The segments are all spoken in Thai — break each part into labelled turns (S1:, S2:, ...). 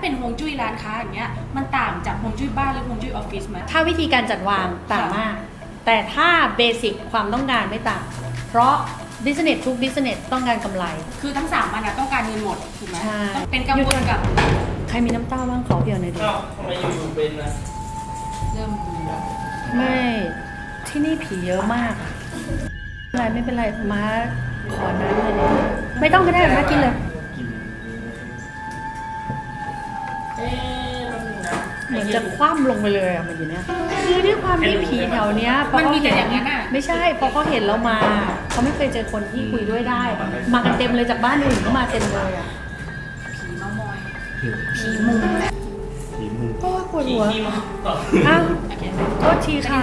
S1: เป็นฮวงจุ้ยร้านค้าอย่างเงี้ยมันต่างจากฮวงจุ้ยบ้านหรือฮวงจุ้ยออฟฟิศไหม
S2: ถ้าวิธีการจัดวางต่างมาก แต่ถ้าเบสิกความต้องการไม่ต่าง เพราะบิสเนสทุกบิสเนสต้องการกำไร
S1: คือทั้ง3มันต้องการเงินหมดถูกไหม
S2: ใช่
S1: ต้องเป็นกังวลกับ
S2: ใครมีน้ำเต้าบ้างขอเพียวหน่อยดิ
S3: อ้าวทำไมอยู่ๆเป็นนะ
S1: เริ่มมีแล้ว
S2: ไม่ที่นี่ผีเยอะมากอะไม่เป็นไรมาขอน้ำเลยดิไม่ต้องก็ได้มากินเลย
S3: เอ๊ะแป๊บนึงนะ
S2: เหมือนจะคว่ำลงไปเลยอ่ะมันอยู่เนี้ยคือด้วยความที่ผีแถวเนี้ยพอ
S1: มัน
S2: เขา
S1: มีแต่
S2: เห็น
S1: อย่างนั้นอ่ะ
S2: ไม่ใช่พอเขาเห็นเรามาเขาไม่เคยเจอคนที่คุยด้วยได้ มากันเต็มเลยจากบ้านอื่นก็มาเต็มเลยอ่ะ
S1: ผีเมามอย
S2: ผีมุง
S4: ผีมุง
S2: โอ้ยปวด
S3: ผี
S2: หัว
S3: ที่มันต่อ
S2: อ้าว
S1: โอเค
S2: โทษทีค่ะ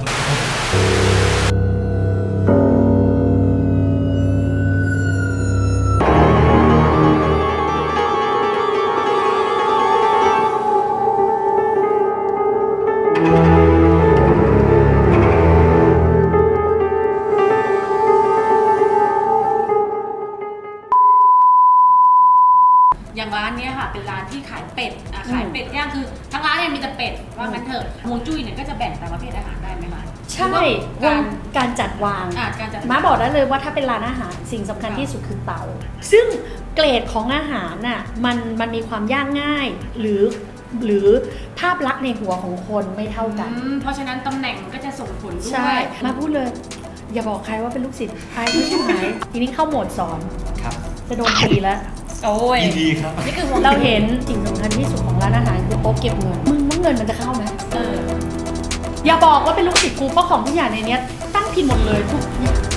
S1: อย่างร้านเนี้ยค่ะเป็นร้านที่ขายเป็ดขายเป็ดย่างคือทั้งร้านเนี่ยมีแต่เป็ดว่างั้นเถอะฮวงจุ้ยเนี่ยก็จะแบ่งตามประเภทอาหารได้ไหมคะ
S2: ใช่
S1: หรือว่า
S2: การจัดวาง
S1: การจัด
S2: ม้าบอกได้เลยว่าถ้าเป็นร้านอาหารสิ่งสำคัญที่สุดคือเตา ซึ่งเกรดของอาหารน่ะมันมีความยากง่ายหรือภาพลักษณ์ในหัวของคนไม่เท่ากัน
S1: เพราะฉะนั้นตำแหน่งก็จะส่งผลด้
S2: ใช่
S1: วย
S2: มาพูดเลย อย่าบอกใครว่าเป็นลูกศิษย์ใครไม่ใช่ไหมทีนี้เข้าโหมดสอน
S4: ครับ
S2: จะโดนตีแล้ว
S1: โอ้ย
S4: ยินดีครับ
S1: นี่คือฮวง
S2: เราเห็นสิ่งสำคัญที่สุดของร้านอาหารคือโต๊ะเก็บเงินมึงว่าเงินมันจะเข้าไหม
S1: เออ
S2: อย่าบอกว่าเป็นลูกศิษย์กูเพราะของทุกอย่างในเนี้ยตั้งผิดหมดเลยทุกอย่าง